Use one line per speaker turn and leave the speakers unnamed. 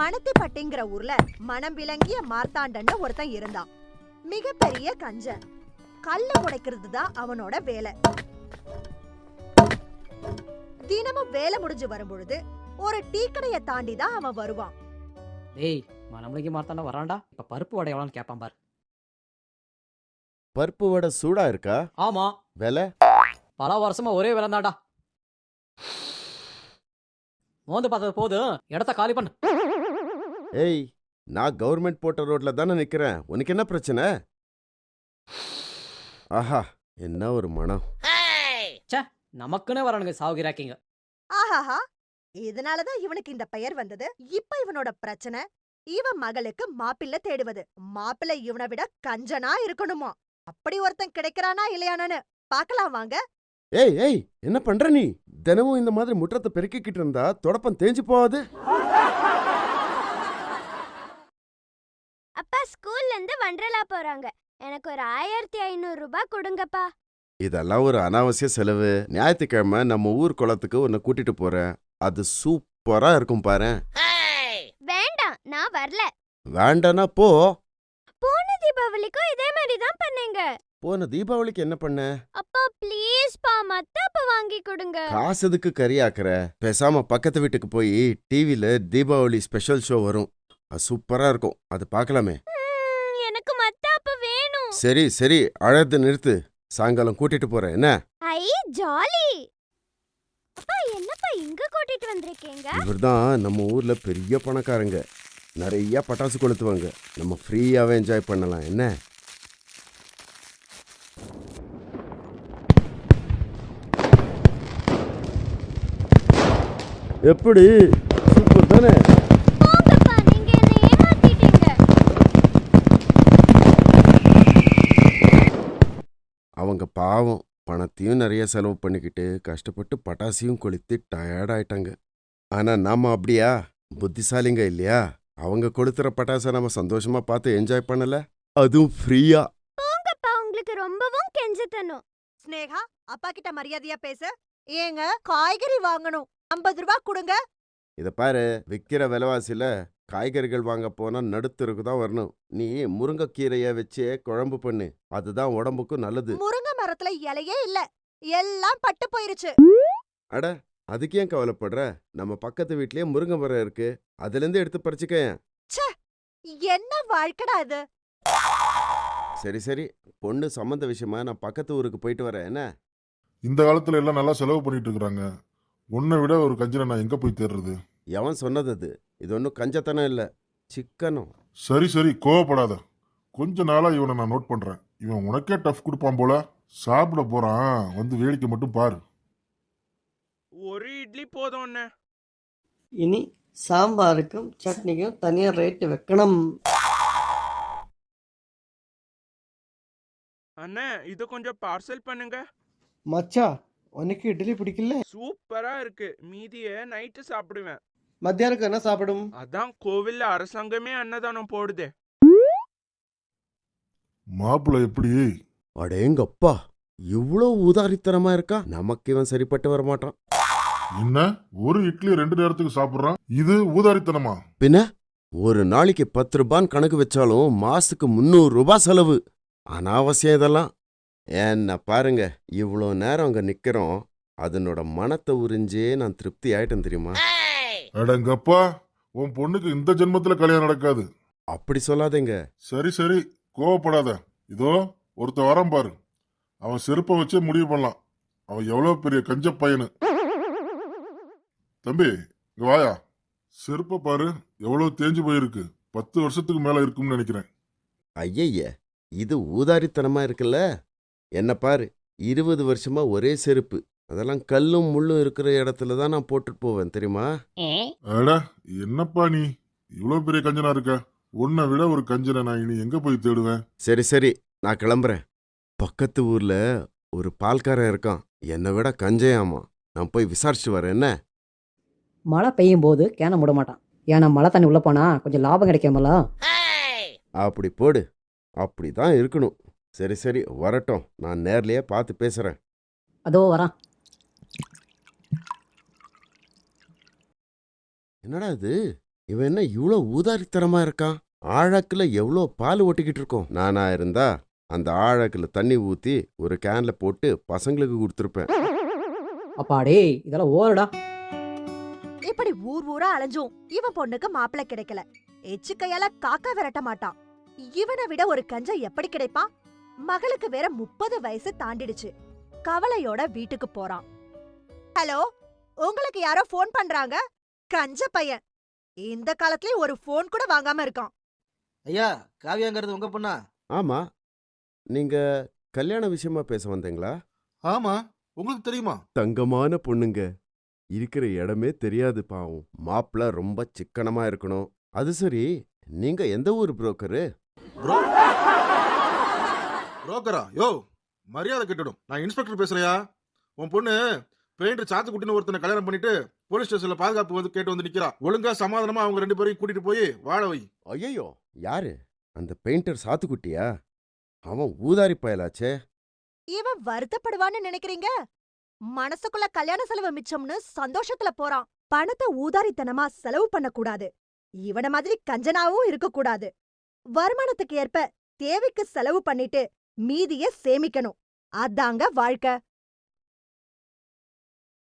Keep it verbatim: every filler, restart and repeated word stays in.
மணத்திப்பட்டிங்கிற ஊர்ல மனம் விளங்கிய மார்த்தாண்டன்னு ஒருத்தன் இருந்தான். மிகப்பெரிய கஞ்சன். கல்ல உடைக்கிறது தான் அவனோட வேலை. தினமும் வேலை முடிஞ்சு வரும்பொழுது ஒரு டீ கடையை தாண்டி தான் அவன் வருவான்.
டேய் மனம்லங்கி மார்த்தாண்டா வரான்டா. இப்ப பருப்பு வடை எவ்வளோன்னு கேட்பான் பாரு.
பருப்பு வடை சூடா இருக்கா?
ஆமா.
விலை?
பல வருஷமா ஒரே விலை தான்டா. மோந்து பார்த்தது போதும், இடத்த காலி பண்ணு.
ஏய், நான் கவர்மெண்ட் போட்ட ரோட்ல தானே நிக்கிறேன். உனக்கு என்ன பிரச்சனை? ஆஹா, என்ன ஒரு மனம்.
ச்சே, நமக்குன்னே வரானுங்க சாவுகிறாக்கிங்க.
ஆஹாஹா, இதனாலதான் இவனுக்கு இந்த பெயர் வந்தது. இப்ப இவனோட பிரச்சனை இவன் மகளுக்கு மாப்பிள்ளை தேடுவது. மாப்பிள்ளை இவனை விட கஞ்சனா இருக்கணுமா? அப்படி ஒருத்தன் கிடைக்கிறானா இல்லையானு பாக்கலாம் வாங்க.
ஏய் ஏய், என்ன பண்ற நீ? தினமும் இந்த மாதிரி முற்றத்தை பெருக்கிக்கிட்டு இருந்தா தொடப்பம் தேஞ்சு போகாது.
அப்பா ஸ்கூல்ல இருந்து வண்டர்லா போறாங்க. எனக்கு ஒரு ஆயிரத்தி ஐநூறு ரூபாய் கொடுங்கப்பா.
இதெல்லாம் ஒரு அனாவசிய செலவு. ஞாயிற்றுக்கிழமை நம்ம ஊர் குளத்துக்கு உன்னை கூட்டிட்டு போறேன். அது சூப்பரா இருக்கும் பாரு.
வேண்டாம், நான் வரல.
வேண்டானா போ.
போன தீபாவளிக்கும் இதே மாதிரி தான் பண்ணீங்க.
போன தீபாவளிக்கு என்ன பண்ண?
அப்பா ப்ளீஸ் பா, மத்தாப்ப வாங்கி கொடுங்க.
காசுக்கு கறியாக்குற. பேசாம பக்கத்து வீட்டுக்கு போய் டிவில தீபாவளி ஸ்பெஷல் ஷோ வரும். அது சூப்பரா இருக்கும். அது பார்க்கலாமே.
எனக்கு மத்தாப்ப வேணும்.
சரி சரி, அழகு நிறுத்து. சாயங்காலம் கூட்டிட்டு போறேன். என்ன?
ஐ ஜாலி. அப்பா என்னப்பா இங்க கூட்டிட்டு வந்திருக்கீங்க?
இவர்தான் நம்ம ஊர்ல பெரிய பணக்காரங்க. நிறைய பட்டாசு கொளுத்துவாங்க. நம்ம ஃப்ரீயாவே என்ஜாய் பண்ணலாம். என்ன? எப்படி? சூப்பர் தானே?
போங்கப்பா, நீங்க என்ன ஏமாத்திட்டீங்க.
அவங்க பாவம் பணத்தையும் நிறைய செலவு பண்ணிக்கிட்டு கஷ்டப்பட்டு பட்டாசையும் கொளுத்தி டயர்ட் ஆயிட்டாங்க. ஆனா நாம அப்படியா? புத்திசாலிங்க இல்லையா? அவங்க கொளுத்துற பட்டாசை நம்ம சந்தோஷமா பார்த்து என்ஜாய் பண்ணல, அதுவும் ஃப்ரீயா.
போங்கப்பா, உங்களுக்கு ரொம்பவும் கெஞ்சத்தனும்.
ஸ்னேகா, அப்பா கிட்ட மரியாதையா பேசு. ஏங்க காய்கறி வாங்கணும், ஐம்பது ரூபாய் கொடுங்க.
இத பாரு, விக்கிற விலைவாசியில காய்கறிகள் வாங்க போனா நடுத்தருக்கு தான் வரணும். நீ முருங்கைக்கீரைய வச்சு குழம்பு பண்ணு. அதுதான் உடம்புக்கும் நல்லது.
முருங்கை மரத்துல இலையே இல்ல, எல்லாம் பட்டு போயிருச்சு.
அட, அதுக்கு ஏன் கவலைப்படுற? நம்ம பக்கத்து வீட்லயே முருங்கை மரம் இருக்கு. அதுல இருந்து எடுத்து பறிச்சுக்க.
ச்சே, என்ன வாழ்க்கடா இது?
சரி சரி, பொண்ணு சம்மந்த விஷயமா நான் பக்கத்து ஊருக்கு போயிட்டு வரேன். என்ன?
இந்த காலத்துல எல்லாம் நல்லா செலவு பண்ணிட்டு இருக்காங்க. உன்னை விட ஒரு கஞ்சனை நான் எங்க போய் தேடுறது?
எவன் சொன்னது அது? இது ஒன்றும் கஞ்சத்தனம் இல்லை, சிக்கனம்.
சரி சரி, கோவப்படாத. கொஞ்ச நாளா இவனை நான் நோட் பண்றேன். இவன் உனக்கே டஃப் கொடுப்பான் போல. சாப்பிட போறான், வந்து வேடிக்கை மட்டும் பாரு.
ஒரு இட்லி போதும் அண்ணே.
இனி சாம்பாருக்கும் சட்னிக்கும் தனியா ரேட்டு வைக்கணும்.
அண்ணே, இது கொஞ்சம் பார்சல் பண்ணுங்க.
மச்சா, உனக்கு இட்லி பிடிக்கல?
சூப்பரா இருக்கு. மீதிய நைட்டு சாப்பிடுவேன்.
மத்தியானம் என்ன சாப்பிடும்?
அதான் கோவில்ல அரசாங்கமே அன்னதானம் போடுதே.
மாப்பிள்ள எப்படி?
அடேங்கப்பா, இவ்வளோ ஊதாரித்தனமா இருக்கா? நமக்கு இவன் சரிப்பட்டு வரமாட்டான்.
என்ன ஒரு இட்லி ரெண்டு நேரத்துக்கு சாப்பிடுறான்? இது ஊதாரித்தனமா?
பின்ன ஒரு நாளைக்கு பத்து ரூபான்னு கணக்கு வச்சாலும் மாசத்துக்கு முந்நூறு ரூபாய் செலவு. அனாவசியம் இதெல்லாம். என்ன பாருங்க, இவ்வளோ நேரம் அங்க நிக்கிறோம். அதனோட மனத்தை உறிஞ்சே நான் திருப்தி ஆயிட்டேன் தெரியுமா?
அடங்கப்பா, உன் பொண்ணுக்கு இந்த ஜென்மத்துல கல்யாணம் நடக்காது.
அப்படி சொல்லாதேங்க.
சரி சரி, கோவப்படாத. இதோ ஒருத்த வரம் பாரு. அவன் செருப்பை வச்சே முடிவு பண்ணலாம் அவன் எவ்வளவு பெரிய கஞ்ச பையனு. தம்பி இங்க வாயா. செருப்பை பாரு, எவ்வளவு தேஞ்சு போயிருக்கு. பத்து வருஷத்துக்கு மேல இருக்கும்னு நினைக்கிறேன்.
ஐயய்ய, இது ஊதாரித்தனமா இருக்குல்ல. என்ன பாரு, இருபது வருஷமா ஒரே செருப்பு. அதெல்லாம் கல்லும் முள்ளும் இருக்கிற இடத்துல தான் நான் போட்டுட்டு போவேன் தெரியுமா?
அட என்னப்பா நீ இவ்வளவு பெரிய கஞ்சனா இருக்க? உன்னை விட ஒரு கஞ்சனை நான் இனி எங்க போய் தேடுவேன்?
சரி சரி, நான் கிளம்புறேன். பக்கத்து ஊர்ல ஒரு பால்காரன் இருக்கான், என்னை விட கஞ்சையாமா. நான் போய் விசாரிச்சுட்டு வரேன். என்ன?
மழை பெய்யும் போது கேன மூட மாட்டான். ஏன்னா மழை தண்ணி உள்ள போனா கொஞ்சம் லாபம் கிடைக்கும்ல.
அப்படி போடு. அப்படிதான் இருக்கணும். சரி சரி, வரட்டும். நான் நேர்லயே பார்த்து பேசுறேன்.
அதோ வரான்.
என்னடா இது? இவன் என்ன இவ்ளோ ஊதாரித்தனமா இருக்கான்? ஆழாக்குல எவ்ளோ பால் ஓட்டிக்கிட்டு இருக்கோம். நானா இருந்தா அந்த ஆழாக்குல தண்ணி ஊத்தி ஒரு கேன்ல போட்டு பசங்களுக்கு கொடுத்துருப்பேன்.
அப்பாடே இதெல்லாம் ஓரடா.
இப்படி ஊர் ஊரா அலைஞ்சும் இவன் பொண்ணுக்கு மாப்பிள்ளை கிடைக்கல. எச்சு கையால காக்கா விரட்ட மாட்டான். இவனை விட ஒரு கஞ்சன் எப்படி கிடைப்பான்? மகளுக்கு வேற முப்பது வயசு தாண்டிடுச்சு. கவலையோட வீட்டுக்கு போறான். ஹலோ, உங்களுக்கு யாரோ ஃபோன் பண்றாங்க? கஞ்ச பையன் இந்த காலத்துலயும் ஒரு ஃபோன் கூட வாங்காம இருக்கான்.
ஐயா காவியாங்கிறது உங்க பொண்ணா?
ஆமா, நீங்க கல்யாண விஷயமா பேச வந்தீங்களா?
ஆமா, உங்களுக்கு தெரியுமா?
தங்கமான பொண்ணுங்க. இருக்கிற இடமே தெரியாது பாவம். மாப்பிள்ள ரொம்ப சிக்கனமா இருக்கணும். அது சரி, நீங்க எந்த ஊர் புரோக்கரு?
ப்ரோ புரோக்கரா? யோ மரியாதை கெட்டுடும். நான் இன்ஸ்பெக்டர் பேசுறியா? உன் பொண்ணு பெயிண்டர் சாத்துக்குட்டின்னு ஒருத்தனை கல்யாணம் பண்ணிட்டு போலீஸ் ஸ்டேஷன்ல பாதுகாப்பு வந்து கேட்டு வந்து நிக்கிறா. ஒழுங்கா சமாதானமா அவங்க ரெண்டு பேரையும் கூட்டிட்டு போய் வாழ வை.
ஐயோ, யாரு அந்த பெயிண்டர் சாத்துக்குட்டியா? அவன் ஊதாரி பயலாச்சே.
இவன் வருத்தப்படுவான்னு நினைக்கிறீங்க? மனசுக்குள்ள கல்யாண செலவு மிச்சம்னு சந்தோஷத்துல போறான். பணத்தை ஊதாரித்தனமா செலவு பண்ண கூடாது. இவன மாதிரி கஞ்சனாவும் இருக்க கூடாது. வருமானத்துக்கு ஏற்ப தேவைக்கு செலவு பண்ணிட்டு மீதிய சேமிக்கணும். அதாங்க வாழ்க்கை.